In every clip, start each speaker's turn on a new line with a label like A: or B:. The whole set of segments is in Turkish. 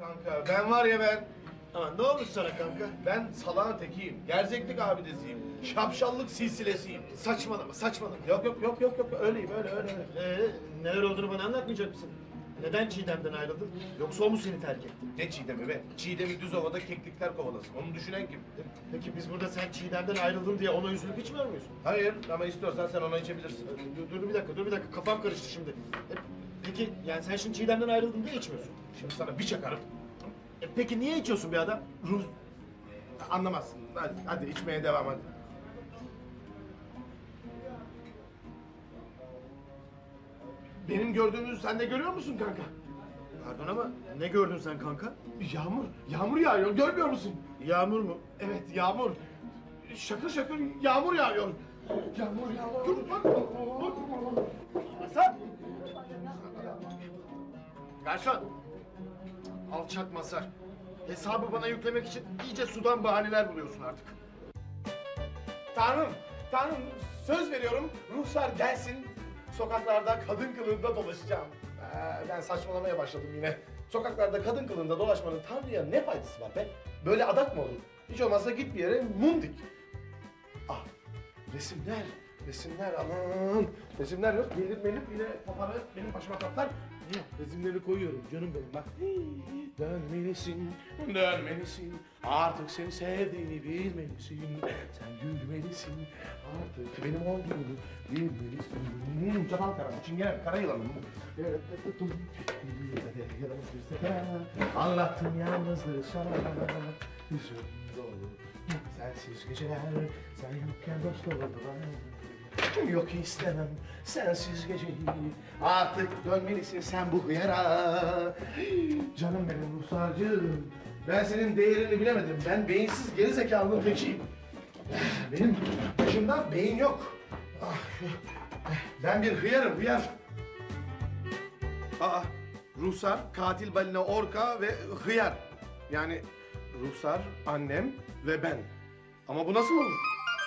A: kanka. Ben var ya ben.
B: Aman ne olmuş sana kanka?
A: Ben salağın tekiyim. Gerzeklik abidesiyim. Şapşallık silsilesiyim.
B: Saçmalama saçmalama.
A: Yok. Öyleyim öyle.
B: Neler olduğunu bana anlatmayacak mısın? Neden Çiğdem'den ayrıldın? Yoksa o mu seni terk etti?
A: Ne Çiğdem'i be? Çiğdem'i düz ovada keklikler kovalasın. Onu düşünen kim?
B: Peki biz burada sen Çiğdem'den ayrıldın diye ona üzülüp içmiyor muyuz?
A: Hayır ama istiyorsan sen ona içebilirsin.
B: Dur bir dakika kafam karıştı şimdi. Peki yani sen şimdi Çiğdem'den ayrıldın diye içmiyorsun.
A: Şimdi sana bir çakarım.
B: Peki niye içiyorsun bir adam?
A: Ruh... Anlamazsın. Hadi içmeye devam hadi. Benim gördüğümü sen de görüyor musun kanka?
B: Pardon ama ne gördün sen kanka?
A: Yağmur yağıyor görmüyor musun?
B: Yağmur mu?
A: Evet yağmur. Şakır şakır yağmur yağıyor. Yağmur. Dur bak.
B: Masar! Garson! Alçak Masar. Hesabı bana yüklemek için iyice sudan bahaneler buluyorsun artık.
A: Tanrım söz veriyorum ruhsar gelsin. Sokaklarda kadın kılığında dolaşacağım. Ben saçmalamaya başladım yine. Sokaklarda kadın kılığında dolaşmanın Tanrı'ya ne faydası var be? Böyle adak mı olur? Hiç olmazsa git bir yere mum dik. Ah, resimler aman. Resimler yok, gelip yine kafanı benim başıma kaplar. Resimleri koyuyorum canım benim bak. Dönmelisin, artık seni sevdiğini bilmelisin. Sen gülmelisin, artık benim olduğunu bilmelisin. Çatal karam, çingene, kara yılanım. Anlattım yalnızlığı sana, hüzün dolu. Sensiz geceler, sen yokken dost olurdular. Yok istemem sensiz geceyi, artık dönmelisin sen bu hıyara. Canım benim ruhsarcığım, ben senin değerini bilemedim. Ben beyinsiz gerizekalının tekiyim. Benim başımda beyin yok. Ben bir hıyar. Ruhsar, katil balina, orka ve hıyar. Yani ruhsar, annem ve ben. Ama bu nasıl olur?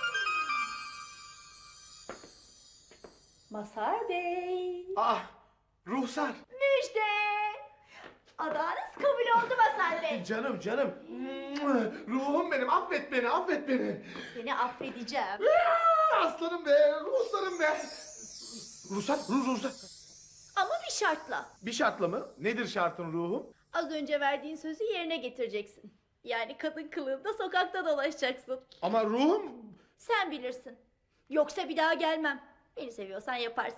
C: Masar Bey.
A: Ruhsar.
C: Müjde. Adanız kabul oldu Masar Bey.
A: Canım. Ruhum benim, affet beni.
C: Seni affedeceğim.
A: Aslanım be, ruhsarım be. Ruhsar.
C: Ama bir şartla.
A: Bir şartla mı? Nedir şartın ruhum?
C: Az önce verdiğin sözü yerine getireceksin. Yani kadın kılığında sokakta dolaşacaksın.
A: Ama ruhum...
C: Sen bilirsin. Yoksa bir daha gelmem. Beni seviyorsan yaparsın.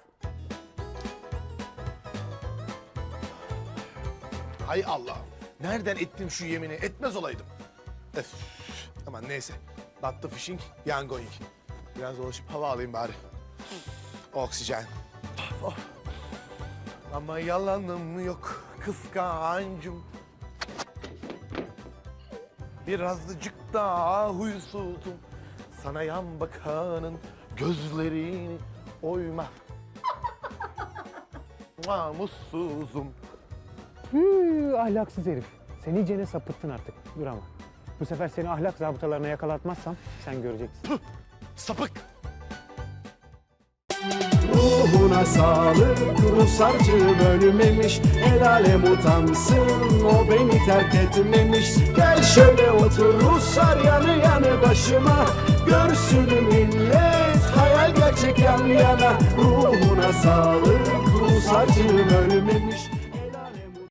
A: Hay Allah. Nereden ettim şu yemini? Etmez olaydım. Öf. Aman neyse. Not the fishing, yan going. Biraz dolaşıp hava alayım bari. Oksijen. Of. Ama yalanım yok kıskancım. Birazcık daha huysuzum. Sana yan bakanın gözlerini oyma. Mutsuzum.
D: Ahlaksız herif. Sen iyicene sapıttın artık. Dur ama. Bu sefer seni ahlak zabıtalarına yakalatmazsam sen göreceksin.
A: Sapık.
E: Ruhuna sağlık, ruhsarcığım ölmemiş. El alem utansın, o beni terk etmemiş. Gel şöyle otur ruhsar yanı yanı başıma. Görsün millet, hayal gerçek yan yana. Ruhuna sağlık, ruhsarcığım ölmemiş.